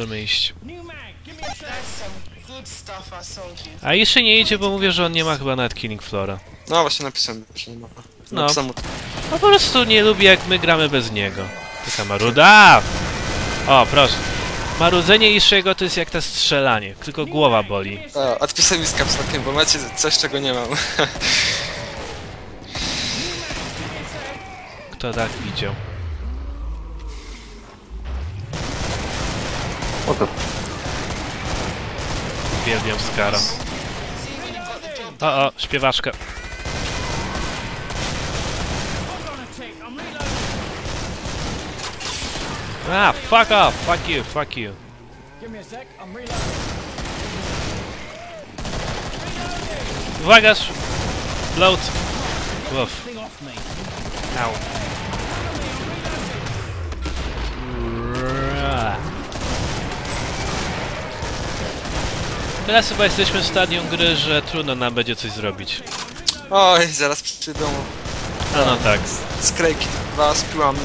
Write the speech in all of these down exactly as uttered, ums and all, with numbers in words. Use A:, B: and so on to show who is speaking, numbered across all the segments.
A: możemy iść. A jeszcze nie idzie, bo mówię, że on nie ma chyba nawet Killing Floora.
B: No właśnie napisałem, że nie ma.
A: No.
B: Napisałem...
A: No po prostu nie lubi, jak my gramy bez niego. Taka maruda! O, proszę. Marudzenie Ishiego to jest jak to strzelanie, tylko głowa boli.
B: A, odpisałem mi z kapslokiem, bo macie coś, czego nie mam.
A: Kto tak widział?
C: O to.
A: Uwielbiam Skara. O, o, śpiewaczka. Ah, fuck off! Fuck you, fuck you. Uwaga! Load! Uff. Au. Teraz chyba jesteśmy w stadium gry, że trudno nam będzie coś zrobić.
B: Oj, zaraz przyjdą...
A: A no tak.
B: Skrejki dwa z piłami.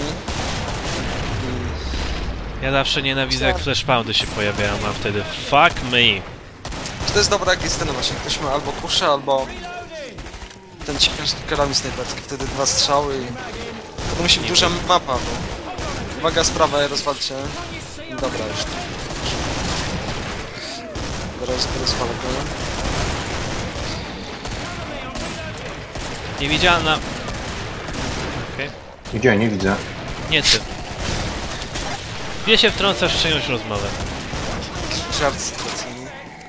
A: Ja zawsze nienawidzę, jak flashpoundy się pojawiają, a wtedy fuck me.
B: Czy to jest dobra, jak jest ten właśnie, ktoś ma albo kuszę, albo ten ciekawy karami snajperski, wtedy dwa strzały i... To musi być duża mapa, bo... Uwaga, sprawa, rozwalcie. Dobra, już. Teraz rozwalę go.
A: Niewidzialna. Okej. Okay.
C: Gdzie? Nie widzę.
A: Nie ty. Gdzie się wtrącasz w czyjąś rozmowę?
B: Żart sytuacyjny.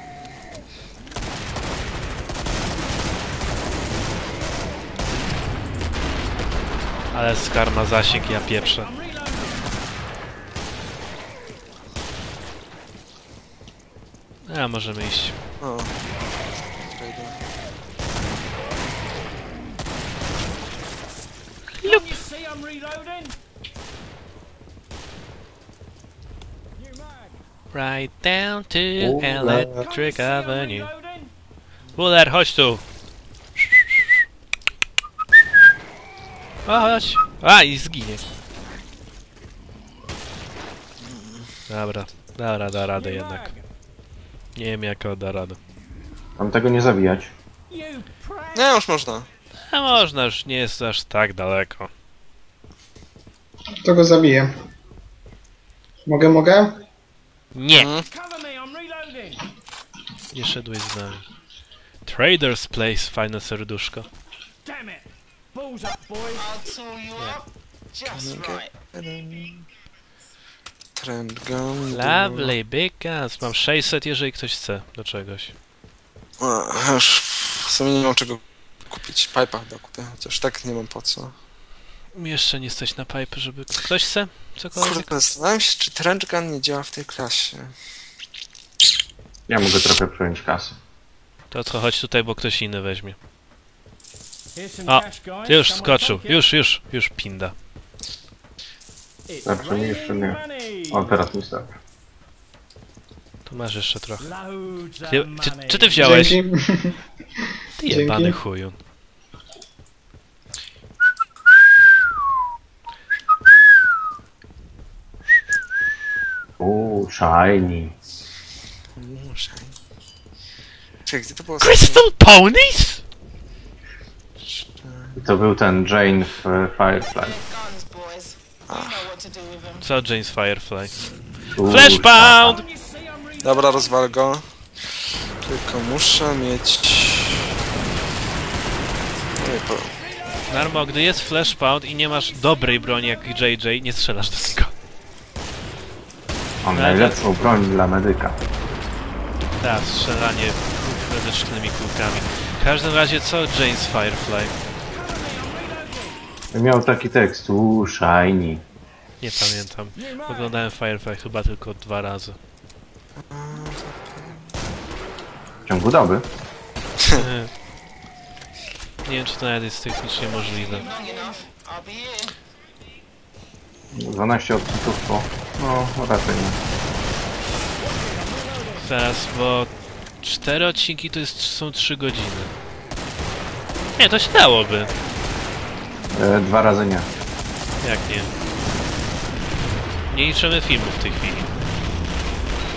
A: Ale Skar ma zasięg, ja pieprzę. A, możemy iść.
B: O.
A: Lup. Right down to Electric Avenue. Buller, chodź tu! O, chodź! A, i zginie. Dobra, dobra, da radę jednak. Nie wiem, jak da radę.
C: Mam tego nie zabijać.
B: Nie, już można.
A: A można, już nie jest aż tak daleko.
D: To go zabiję. Mogę, mogę?
A: Nie!
B: Mhm.
A: Nie szedłeś z nami. Trader's Place, fajne serduszko.
B: Trend gun.
A: Lovely, big guns. Mam sześćset, jeżeli ktoś chce do czegoś.
B: A, już w sumie nie mam czego kupić. Pipa chyba kupię, chociaż tak nie mam po co.
A: Jeszcze nie stać na pipe, żeby... Ktoś chce? Cokolwiek?
B: Kurde, zastanawiam się, czy trend gun nie działa w tej klasie.
C: Ja mogę trochę przejąć kasę.
A: To co, chodź tutaj, bo ktoś inny weźmie. O, już skoczył. Już, już, już pinda.
C: Starczy mi jeszcze nie. O, teraz mi starczy.
A: Tu masz jeszcze trochę. Ty, czy, czy ty wziąłeś?
D: Dzięki.
A: Ty jebany
D: Dzięki.
A: chuju.
C: Uuu, shiny.
B: Czekaj, gdzie to było?
A: Crystal Ponies?
C: I to był ten Jane w Firefly.
A: Co James Firefly?
C: Uuu,
A: Flashpound!
B: Dobra, rozwal go. Tylko muszę mieć... Nie, po...
A: Narmo, gdy jest flashpound i nie masz dobrej broni jak J J, nie strzelasz do niego.
C: On najlepszą broń dla medyka.
A: Tak, strzelanie medycznymi kulkami. W każdym razie co James Firefly?
C: Miał taki tekst, uuu, shiny.
A: Nie pamiętam. Oglądałem Firefly chyba tylko dwa razy.
C: W ciągu doby.
A: Nie wiem, czy to nawet jest technicznie możliwe.
C: dwanaście odcinków po... No, raczej nie.
A: Teraz, bo cztery odcinki to jest, są trzy godziny. Nie, to się dałoby.
C: E, dwa razy nie.
A: Jak nie? Nie liczymy filmów w tej chwili.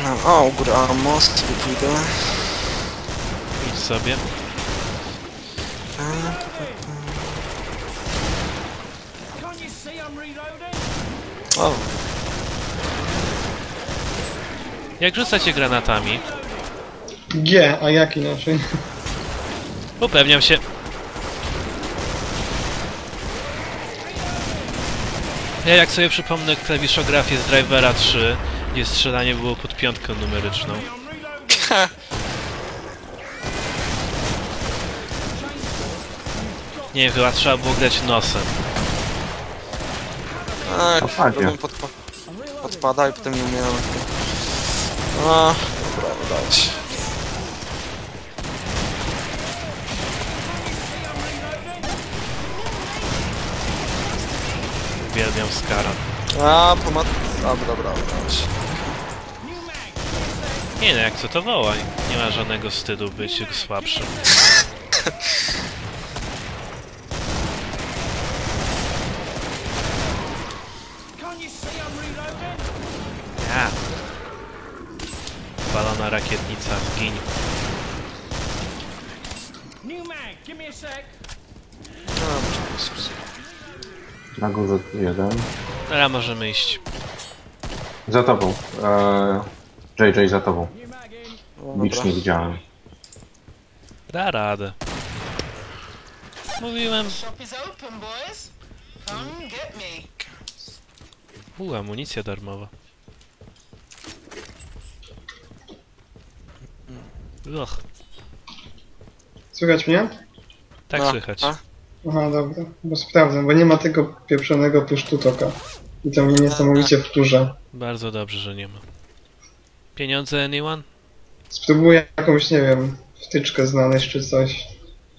B: O, u góry ammo, sobie pójdę.
A: Idź sobie.
B: O,
A: Jak rzucacie granatami?
D: G, a jak inaczej?
A: Upewniam się. Ja jak sobie przypomnę klawiszografię z Drivera trzy, gdzie strzelanie było pod piątką numeryczną. Nie wiem, chyba trzeba było grać nosem.
B: tak,
C: Opadnie.
B: robię podpa podpada i potem nie umiałem. A, dobra, udało się.
A: Uwielbiam Skara.
B: A, pomad... Dobra, dobra, udało się.
A: Nie no, jak co to woła? Nie ma żadnego wstydu być słabszym. Ja. Balona rakietnica, zgiń.
C: Na górze jeden.
A: Teraz możemy iść.
C: Za tobą. Eee, J J za tobą.
B: Dobra.
C: Bicz nie widziałem.
A: Da radę. Mówiłem.
E: Shop is open, boys. Come get me.
A: U, amunicja darmowa. Och,
D: Słychać mnie?
A: tak
B: No,
A: słychać.
B: a?
D: Aha, dobra. Bo sprawdzam, bo nie ma tego pieprzonego push-to-toka. I to mnie niesamowicie wkurza.
A: Bardzo dobrze, że nie ma. Pieniądze anyone?
D: Spróbuję jakąś, nie wiem, wtyczkę znaleźć czy coś.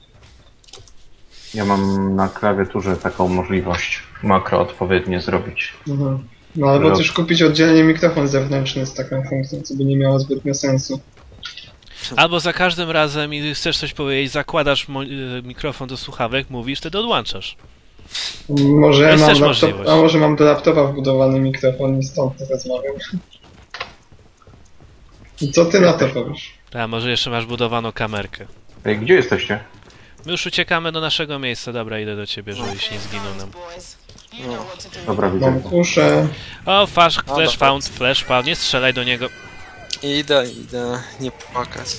C: Ja mam na klawiaturze taką możliwość makro odpowiednie zrobić.
D: Mhm. No albo
C: Rob.
D: też kupić oddzielnie mikrofon zewnętrzny z taką funkcją, co by nie miało zbytnio sensu.
A: Albo za każdym razem, i chcesz coś powiedzieć, zakładasz mo- y, mikrofon do słuchawek, mówisz, wtedy odłączasz.
D: Może
A: To jest
D: mam
A: też
D: laptop,
A: możliwość.
D: a może mam do laptopa wbudowany mikrofon i stąd rozmawiam. I co ty na to powiesz?
A: A może jeszcze masz budowaną kamerkę.
C: Ej, gdzie jesteście?
A: My już uciekamy do naszego miejsca. Dobra, idę do ciebie, żebyś nie zginął nam.
E: Boys, you know what to do.
C: Dobra, widzę.
D: Mam kuszę.
A: O, flash,
B: dobra.
A: flash found, flash found, nie strzelaj do niego.
B: Idę, idę, nie płakać.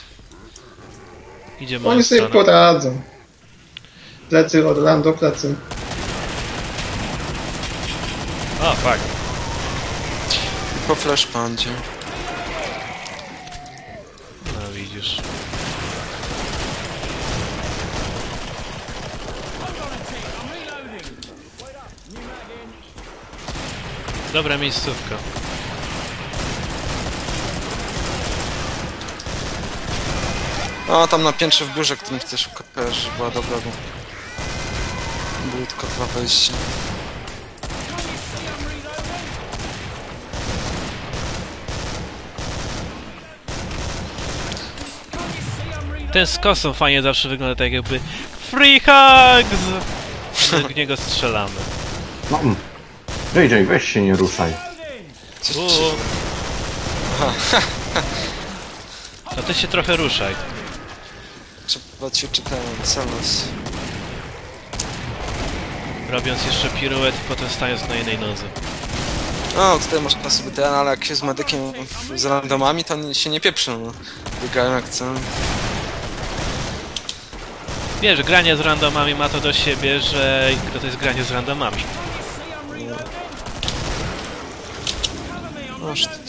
A: Idzie moją
D: Oni sobie
A: stronę.
D: poradzą. Plecy, Orlando, plecy.
A: O, fuck.
B: Po flashpandzie.
A: No widzisz. Dobra miejscówka.
B: O, tam na piętrze w biurze, którym chcesz kojarzyć, była dobra, bo... Były tylko dwa wejścia.
A: Ten z kosą fajnie zawsze wygląda tak jakby free hugs! Do niego strzelamy.
C: No, mm. J J, weź się nie ruszaj.
B: Coś
A: U.
B: ci...
A: No ty się trochę ruszaj.
B: Trzeba ci czytałem, celos.
A: Robiąc jeszcze piruet i potem stając na jednej nodze.
B: O, tutaj można sobie ten, ale jak się z medykiem w- z randomami, to nie- się nie pieprzą, no. Biegają jak chcą.
A: Wiesz, granie z randomami ma to do siebie, że to jest granie z randomami.
B: No, szt-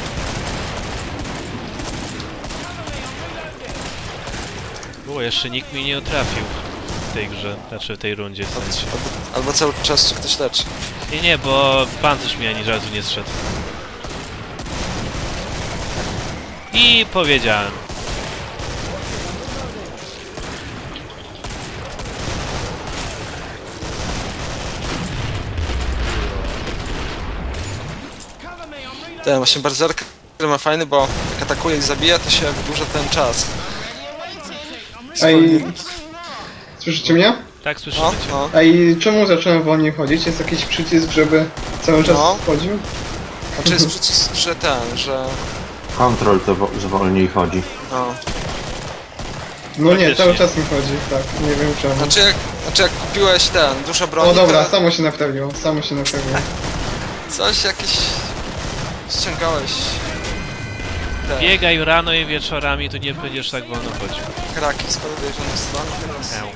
A: Było, jeszcze nikt mi nie trafił w tej grze, znaczy w tej rundzie w sensie.
B: albo, albo cały czas się ktoś leczy.
A: Nie, nie, bo pancerz mi ani razu nie zszedł. I powiedziałem.
B: Ten właśnie berserker ma fajny, bo jak atakuje i zabija, to się wydłuża ten czas.
D: Ej, słyszycie mnie?
A: Tak, słyszymy
B: No,
A: cię.
B: no.
D: Ej, czemu zacząłem wolniej chodzić? Jest jakiś przycisk, żeby cały czas
B: No.
D: chodził?
B: Znaczy jest przycisk, że ten, że
C: Kontrol to wo- zwolniej chodzi.
B: No.
D: No nie,
A: Faktycznie.
D: cały czas mi chodzi, tak, nie wiem czemu.
B: Znaczy jak, znaczy jak kupiłeś ten, dużo broni,
D: O dobra,
B: to
D: samo się naprawiło, samo się naprawiło.
B: coś jakieś... ściągałeś... Te
A: Biegaj rano i wieczorami, to nie będziesz tak wolno chodził.
B: kraki z podejrzanych stron, teraz...
A: Eł.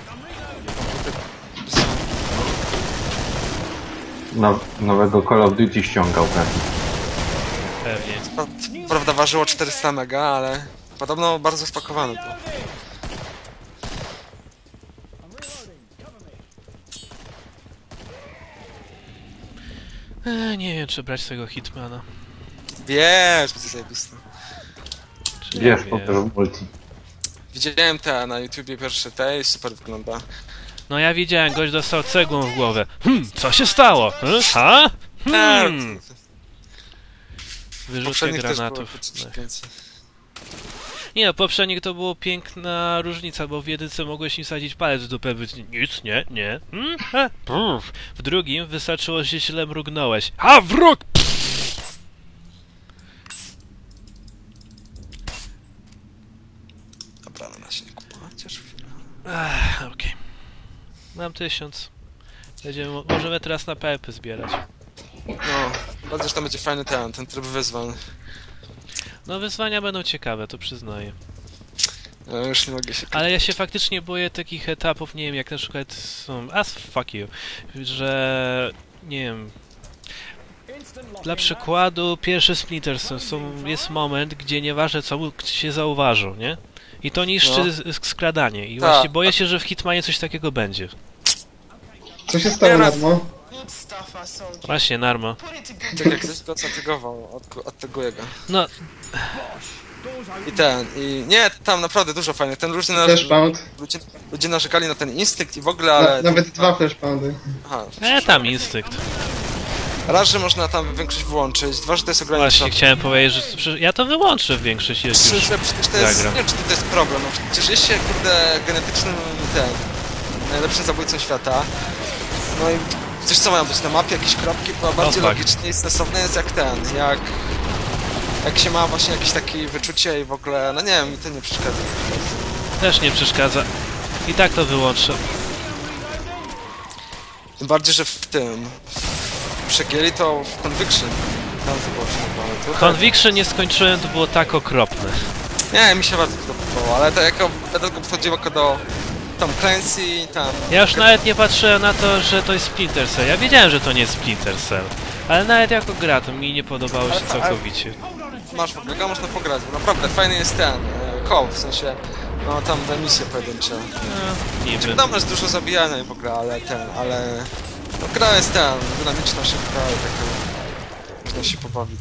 C: No, nowego Call of Duty ściągał pewnie.
A: Pewnie.
B: Pa- Prawda ważyło czterysta mega, ale podobno bardzo spakowane to.
A: Eee, nie wiem, czy brać tego Hitmana.
B: Wiesz, to jest zajebiste.
A: Czy
C: Wiesz,
A: nie
C: po
A: wiem.
C: to w multi.
B: Widziałem te na YouTubie pierwsze te i super wygląda.
A: No ja widziałem, gość dostał cegłą w głowę. Hmm, co się stało? Hmm, ha? Hmm. Wyrzutka
B: Poprzednich też było
A: granatów.
B: po
A: No.
B: więcej.
A: Nie no, poprzednich to było piękna różnica, bo w jedynce mogłeś im sadzić palec w dupę, być nic, nie, nie. Hmm? Ha? Pff. W drugim wystarczyło, że źle mrugnąłeś. A wróg!
B: Dobra, no na się nie kupować, chociaż chwilę.
A: Ach, okej. Mam tysiąc. Będziemy, możemy teraz na pepy zbierać.
B: No, bardzo, że tam będzie fajny ten, ten tryb wyzwań.
A: No wyzwania będą ciekawe, to przyznaję.
B: Ja już nie mogę się...
A: Ale ja się faktycznie boję takich etapów, nie wiem, jak na przykład są... As fuck you. Że... Nie wiem... Dla przykładu, pierwszy Splinter Cell, są, jest moment, gdzie nieważne co się zauważą, nie? I to niszczy
B: No.
A: z- skradanie. I
B: Ta.
A: właśnie boję się, że w Hitmanie coś takiego będzie.
D: Co się stało, Narmo?
E: Good stuff I sold you.
A: Właśnie, Narmo.
E: Put it to good
B: Tak jak ktoś go zatygował, od, odteguję go.
A: No,
B: I ten, i nie, tam naprawdę dużo fajnych, ten ludzie, na,
D: Flashpound.
B: ludzie, ludzie narzekali na ten instynkt i w ogóle,
D: Na,
B: ale...
D: nawet dwa flashpoundy.
B: Aha,
A: e, tam instynkt.
B: raz, że można tam większość wyłączyć, dwa, że to jest
A: Właśnie,
B: ograniczone.
A: chciałem powiedzieć, że przecież ja to wyłączę w większości, jak
B: Trzy,
A: już
B: że przecież to jest,
A: zagram.
B: nie wiem, czy to jest problem, no przecież jest się, kurde, genetycznym, ten, najlepszym zabójcą świata. No i coś co mają być na mapie, jakieś kropki, bo bardziej
A: tak.
B: logiczne i sensowne jest jak ten, jak... Jak się ma właśnie jakieś takie wyczucie i w ogóle, no nie wiem, mi to nie przeszkadza.
A: Też nie przeszkadza. I tak to wyłączę.
B: Tym bardziej, że w tym... Przegięli to w Conviction. Tam to było się naprawdę.
A: Conviction nie skończyłem, to było tak okropne.
B: Nie, mi się bardzo to podobało, ale to jako będę go podchodził jako do Tom Clancy, tam...
A: Ja już nawet nie patrzyłem na to, że to jest Splinter Cell. Ja wiedziałem, że to nie jest Splinter Cell. Ale nawet jako gra to mi nie podobało się
B: Ale- ale-
A: całkowicie.
B: Masz w ogóle, go można pograć, bo naprawdę fajny jest ten, e, koł, w sensie... No tam te misje pojedyncze.
A: No, niby.
B: Wiadomo, jest dużo zabijania i w ogóle, ale ten, ale... No gra jest ten, dynamiczna, szybka i taka... Można się pobawić.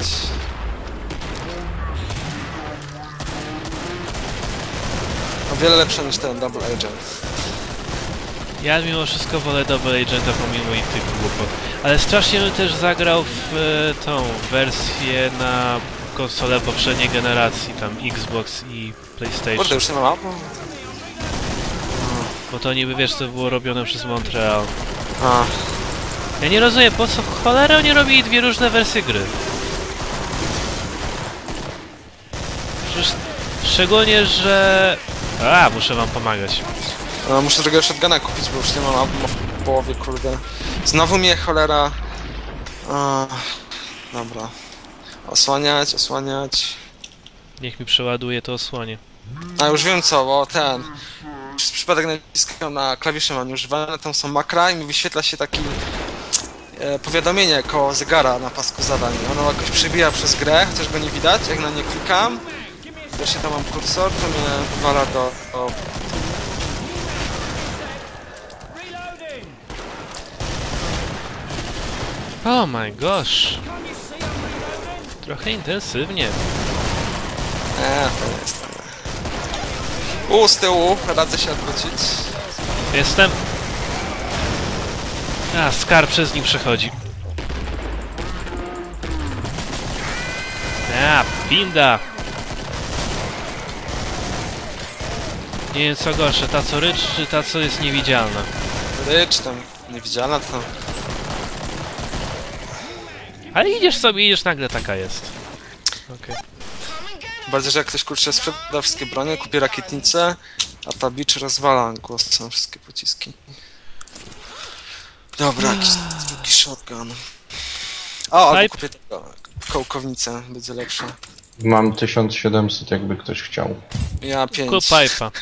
B: O wiele lepsze niż ten Double Agent.
A: Ja mimo wszystko wolę Double Agenta pomimo i tych głupot. Ale strasznie bym też zagrał w e, tą wersję na konsolę poprzedniej generacji, tam Xbox i PlayStation.
B: Kurde, już nie ma mapu?
A: Bo to niby, wiesz, to było robione przez Montreal.
B: A,
A: Ja nie rozumiem, po co cholera oni robili dwie różne wersje gry. Przecież szczególnie, że... A, muszę wam pomagać.
B: no, muszę drugiego shotguna kupić, bo już nie mam mapu w połowie, kurde. Znowu mnie cholera... A, dobra. Osłaniać, osłaniać...
A: Niech mi przeładuje to osłonie.
B: A już wiem co, bo ten... Przez przypadek naciskam na klawisze mam używane, tam są makra i mi wyświetla się taki... E, powiadomienie koło zegara na pasku zadań. Ono jakoś przebija przez grę, chociaż go nie widać, jak na nie klikam. Właśnie tam mam kursor, to mnie wywala do... do...
A: Oh my gosh. Trochę intensywnie.
B: Eee, to nie jest to. U, z tyłu, radzę się odwrócić.
A: Jestem. A, Scar przez nim przechodzi. A, pinda. Nie wiem co gorsze, ta co rycz, czy ta co jest niewidzialna.
B: Rycz tam, niewidzialna to...
A: Ale idziesz sobie, idziesz, nagle taka jest. Okej.
E: Come and get
B: Bardziej, że jak ktoś kurczę sprzeda wszystkie bronie, kupi rakietnicę, a ta bicz rozwala głosem wszystkie pociski. Dobra, jakiś drugi shotgun. O, albo
A: Pipe.
B: kupię tego, kołkownicę, będzie lepsza.
C: Mam tysiąc siedemset, jakby ktoś chciał.
B: Ja
A: Kup
B: pięć.
A: pipe'a.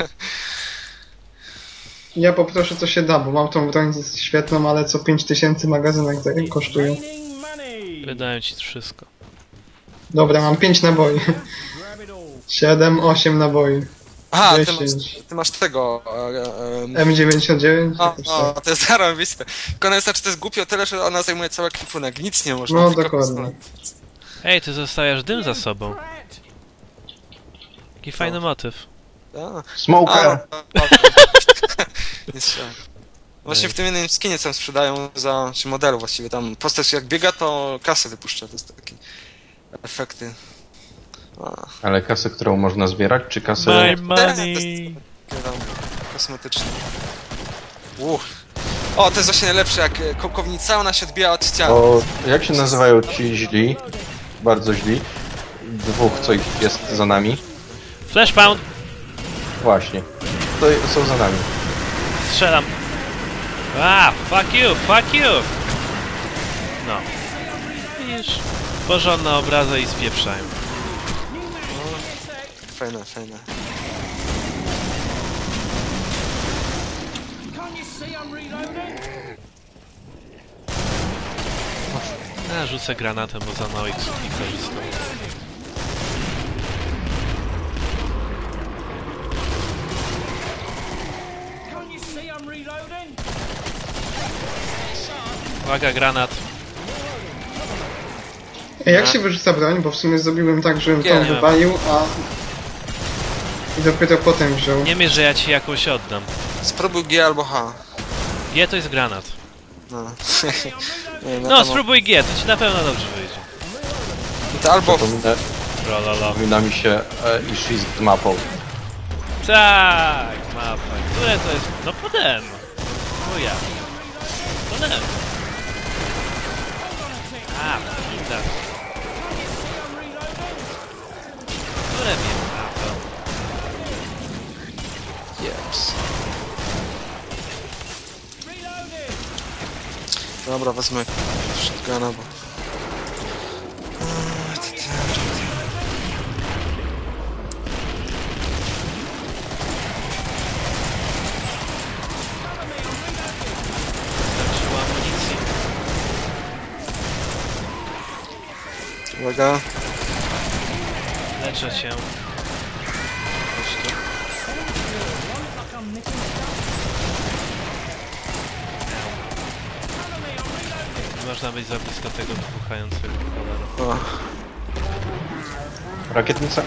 D: Ja poproszę co się da, bo mam tą broń świetną, ale co pięć tysięcy magazynek za- kosztuje.
A: Wydają ci wszystko.
D: Dobra, mam pięć naboi. siedem, osiem naboi.
B: Aha, ty masz,
D: dziesięć.
B: ty masz tego... E, e,
D: M dziewięćdziesiąt dziewięć?
B: o,
D: Jakoś
B: o,
D: tak.
B: to jest zarąbiste. Tylko ona jest, znaczy to jest głupio tyle, że ona zajmuje cały ekwipunek. Nic nie można.
D: No,
B: tylko
D: dokładnie.
B: pistolet.
A: Ej, ty zostawiasz dym za sobą. Jaki fajny motyw.
B: A,
C: Smoker!
B: a, nie strzelam. Właśnie w tym jednym skinie tam sprzedają za, czy modelu właściwie, tam postać jak biega, to kasę wypuszcza, to jest takie efekty. A,
C: Ale kasę, którą można zbierać, czy kasę...
A: My
B: to
A: money!
B: takie tam kosmetyczne. Uch. O, to jest właśnie najlepsze, jak e, kołkownica, ona się odbija od ściany.
C: O, jak się nazywają ci źli? Bardzo źli. Dwóch, co ich jest za nami.
A: Flash pound!
C: Właśnie. To są za nami.
A: Strzelam. A, fuck you, fuck you! No. Widzisz? Porządne obrazy i spieprzają.
B: Fajne, fajne.
A: Ja rzucę granatem, bo za mało ich ich korzystam. Uwaga, granat.
D: Ej, jak się wyrzuca broń? Bo w sumie zrobiłem tak, żebym
B: Nie
D: tą
B: wiem.
D: wywalił, a... I dopiero potem wziął.
A: Nie mierz, że ja ci jakąś oddam.
B: Spróbuj G albo H.
A: G to jest granat.
B: No. Nie wiem, ja
A: No,
B: tam-
A: spróbuj G, to ci na pewno dobrze wyjdzie.
B: To albo...
C: Przypomina,
A: Trololo.
C: przypomina mi się e, Ishi z mapą.
A: Tak, mapa. Które to jest? No podem. O ja. Podem. A, pizza. Które wiem? A, to.
B: Yes. Dobra, wezmę shotguna, bo...
A: Starczyło amunicji.
B: Uwaga.
A: Leczę cię. Chodź tu. Nie można być za blisko tego wybuchającego cholera.
B: O.
C: Rakietnica?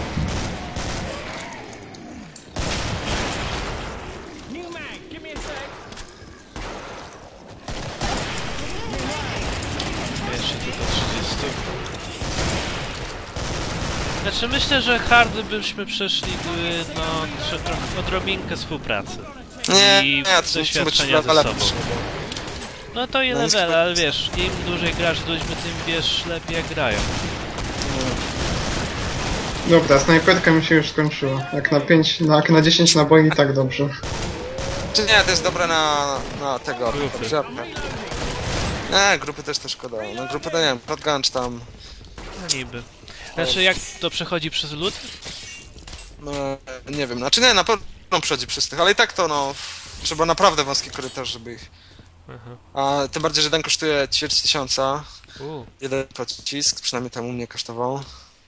A: Jeszcze tylko trzydzieści. Znaczy myślę, że hardy byśmy przeszli gdyby, no, tr- trochę odrobinkę współpracy.
B: Nie,
A: I
B: nie, to są
A: doświadczenia ze sobą. No to i
B: No i
A: level,
B: spoko-
A: ale wiesz, im dłużej grasz z ludźmi, tym wiesz lepiej jak grają.
D: Dobra, snajperka mi się już skończyła. Jak na pięć, na, jak na dziesięć naboi i tak dobrze.
B: Czy nie, to jest dobre na, na tego,
A: Grupy.
B: żarka. Nie, grupy też to szkoda. No grupy to nie wiem, shotgun czy tam...
A: No niby. Znaczy jak to przechodzi przez lód?
B: No, nie wiem, znaczy nie, na pewno przechodzi przez tych, ale i tak to no... Trzeba naprawdę wąski korytarz, żeby ich...
A: Aha.
B: A tym bardziej, że ten kosztuje ćwierć tysiąca.
A: U,
B: Jeden pocisk, przynajmniej tam u mnie kosztował.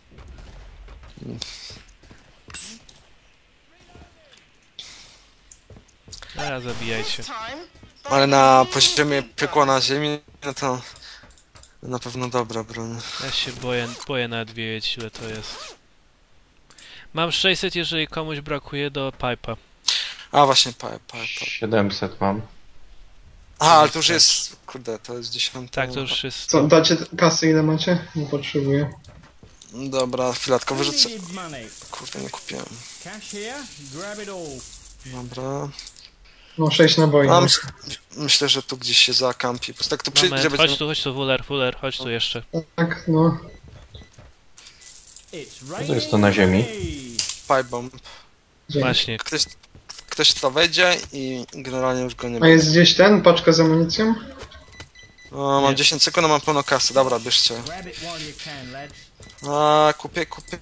A: teraz zabijajcie.
E: Time.
B: Ale na poziomie piekła na ziemi, no to... Na pewno dobra broń.
A: Ja się boję, boję nawet wiedzieć ile to jest. Mam sześćset, jeżeli komuś brakuje do pipa.
B: A właśnie, pipe, pipe.
C: siedemset mam.
B: A, ale to już jest... Kurde, to jest dziesiąty.
A: Tak, to już jest...
D: Co, dacie kasy ile macie? Nie potrzebuję.
B: Dobra, chwileczkę, wyrzucę...
F: Needed money.
B: Kurde, nie kupiłem.
F: Cash here, grab it all.
B: Dobra.
D: No sześć naboi.
B: A,
D: No.
B: myśl, myślę, że tu gdzieś się zakampi. Po prostu tak tu przyjdzie,
A: Moment,
B: będzie...
A: chodź tu, chodź tu, Wuler, Wuler, chodź tu jeszcze.
D: Tak, no.
F: It's
C: Co jest to na ziemi?
B: Pipe bomb.
D: Dzięki.
A: Właśnie.
B: Ktoś, ktoś to wejdzie i generalnie już go nie
D: A
B: ma.
D: jest gdzieś ten, paczka z amunicją?
B: O, mam
A: Nie.
B: dziesięć sekund, a mam pełno kasy. Dobra, bierzcie.
F: Grab it while you can, lads.
B: A, kupię, kupię.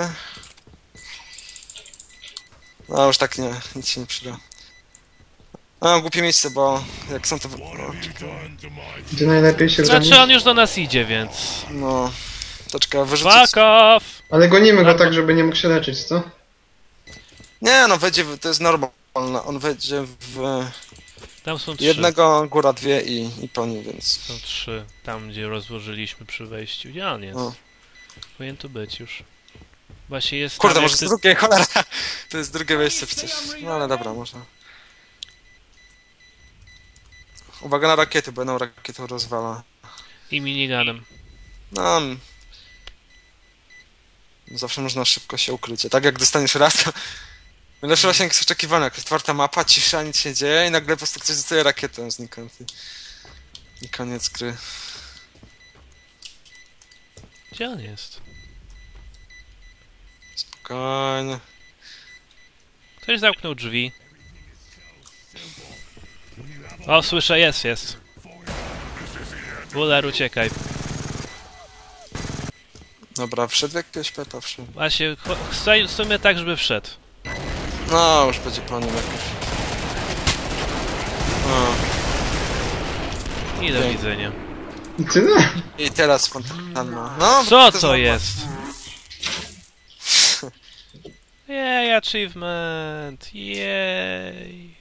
B: No już tak nie, nic się nie przyda. A, głupie miejsce, bo jak są to... No, czekaj.
D: Gdzie najlepiej się broni?
A: Znaczy on już do nas idzie, więc...
B: no to czekaj, wyrzucić...
A: Fuck off!
D: Ale gonimy go tak, żeby nie mógł się leczyć, co?
B: Nie, no wejdzie, w, to jest normalne. On wejdzie w
A: Tam są trzy.
B: jednego, góra dwie i, i po nim, więc...
A: Są trzy. Tam, gdzie rozłożyliśmy przy wejściu. Gdzie on jest?
B: O.
A: Powinien tu być już. Właśnie jest
B: Kurde,
A: tam,
B: może
A: jak
B: z
A: ty...
B: drugiej, cholera! To jest drugie wejście przecież. No ale dobra, może. Uwaga na rakiety, bo jedną rakietą rozwala.
A: I miniganem.
B: No... mm. Zawsze można szybko się ukryć. A tak jak dostaniesz raz, to... Lepszy zasięg jest oczekiwany, jakaś otwarta mapa, cisza, nic się dzieje i nagle po prostu ktoś dostaje rakietę znikąd. I- I koniec gry.
A: Gdzie on jest?
B: Spokojnie.
A: Ktoś zamknął drzwi. O, słyszę, jest, jest. Buller, uciekaj.
B: Dobra, wszedł jakiegoś pepa, wszedł.
A: Właśnie, cho- stoi w sumie tak, żeby wszedł.
B: No, już będzie po nim jakoś. No.
A: I do
B: Okej.
A: widzenia.
D: I tyle?
B: I teraz fontanna. No,
A: Co
B: jest
A: to
B: mapa.
A: jest? Jej, achievement! Jej!